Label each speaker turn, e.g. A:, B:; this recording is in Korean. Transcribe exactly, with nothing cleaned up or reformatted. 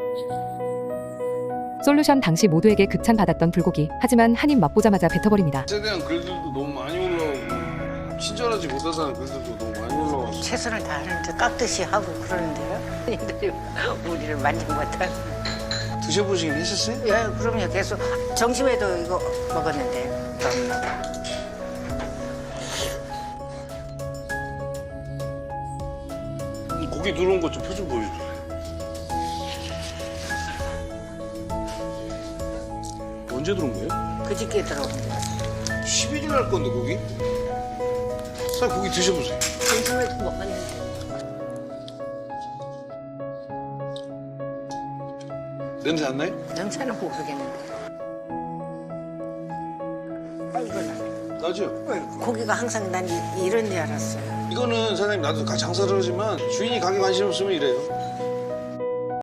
A: 솔루션 당시 모두에게 극찬받았던 불고기. 하지만 한 입 맛보자마자 뱉어버립니다.
B: 에 대한 글들도 너무 많이 올라오고 친절하지 못하다는 글들도 너무 많이 올라와서
C: 최선을 다하는데 깍듯이 하고 그러는데요. 얘들이 우리를 만지 못한.
B: 드셔보시긴 했었어요?
C: 예, 그럼요. 계속 점심에도 이거 먹었는데.
B: 고기 누른 것 좀 표정 보여줘. 언제 들어온 거예요?
C: 그저께 들어오는데.
B: 십일 일 날 건데 고기? 사장님 고기 드셔보세요.
C: 점심에도 먹었는데.
B: 냄새 안 나요?
C: 냄새는 모르겠는데. 아, 이거는.
B: 나죠?
C: 고기가 항상 난 이- 이런 줄 알았어요.
B: 이거는 사장님 나도 가- 장사를 하지만 주인이 가게 관심 없으면 이래요.